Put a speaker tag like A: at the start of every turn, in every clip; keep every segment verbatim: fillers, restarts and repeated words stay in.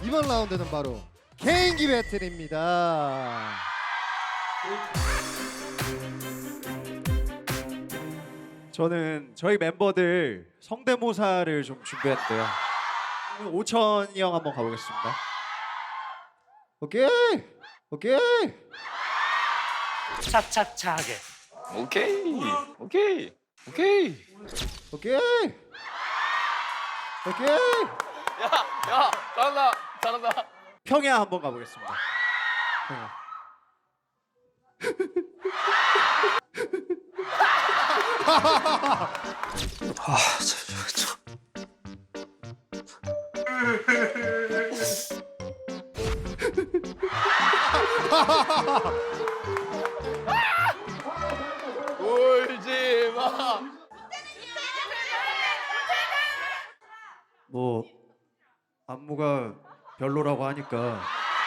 A: 이번 라운드는 바로 개인기 배틀입니다.
B: 저는 저희 멤버들 성대모사를 좀 준비했대요. 오천이 형 한번 가보겠습니다. 오케이, 오케이.
C: 착착착하게.
D: 오케이 오케이 오케이
A: 오케이. 오케이.
D: 야야 잘한다 잘한다.
B: 평야 한번 가보겠습니다. 평야.
C: 아, 저, 저, 저.
D: 울지 마.
B: 뭐 안무가 별로라고 하니까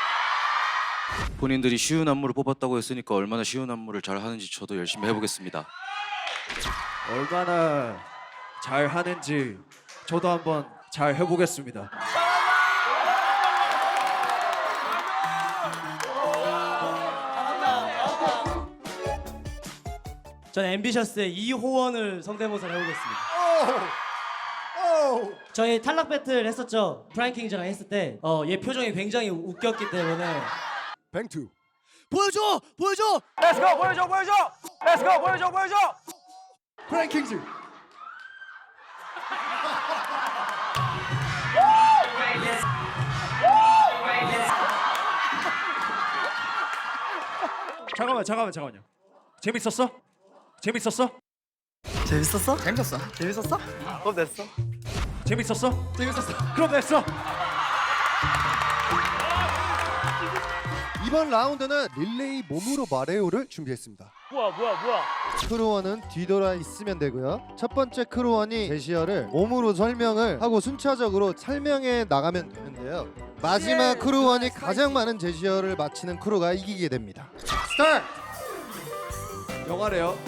E: 본인들이 쉬운 안무를 뽑았다고 했으니까 얼마나 쉬운 안무를 잘 하는지 저도 열심히 해보겠습니다.
B: 얼마나 잘 하는지 저도 한번 잘 해보겠습니다.
F: 저는 앰비셔스의 이호원을 성대모사를 해보겠습니다. 저희 탈락 배틀 했었죠. 프라이킹즈랑 했을 때 어, 얘 표정이 굉장히 웃겼기 때문에
A: 뱅투.
F: 보여줘! 보여줘!
D: Let's go 보여줘 보여줘. Let's go 보여줘 보여줘.
A: 프랭킹즈.
B: 잠깐만 잠깐만 잠깐만요. 재밌었어? 재밌었어?
F: 재밌었어? 재밌었어. 재밌었어?
D: 그럼 됐어.
B: 재밌었어? 재밌었어. 그럼 됐어.
A: 이번 라운드는 릴레이 몸으로 말해요를 준비했습니다.
D: 뭐야 뭐야 뭐야.
A: 크루원은 뒤돌아 있으면 되고요. 첫 번째 크루원이 제시어를 몸으로 설명을 하고 순차적으로 설명해 나가면 되는데요. 마지막 크루원이 가장 많은 제시어를 맞히는 크루가 이기게 됩니다. 스타트!
B: 영화래요.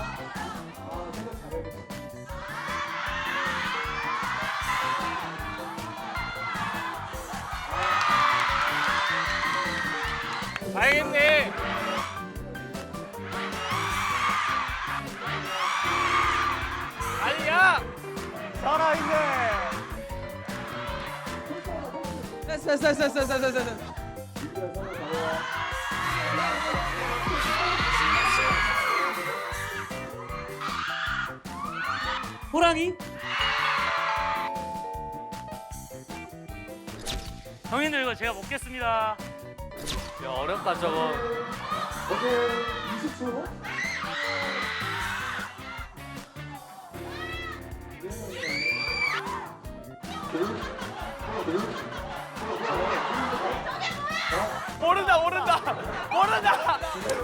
D: 다행했네. 아니야. 살아있네.
F: 됐어 됐어 됐어 됐어 됐어 됐어. 호랑이?
C: 형님들 이거 제가 먹겠습니다.
D: 야 어렵다 저거. 모른다 모른다 모른다.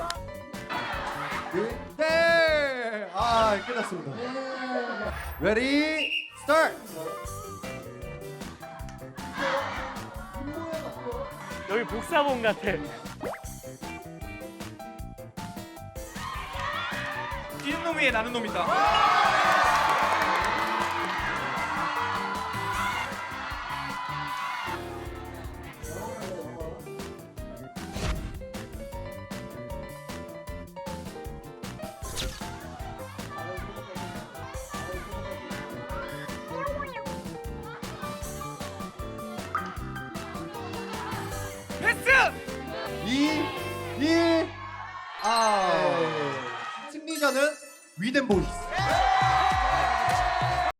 A: 네! 아, 끝났습니다. 레디, 스타트!
C: 여기 복사본 같아.
B: 뛰는 놈 위에 나는 놈이다.
D: 패스.
A: 이, 일, 아. 승리자는 위덴 보이스.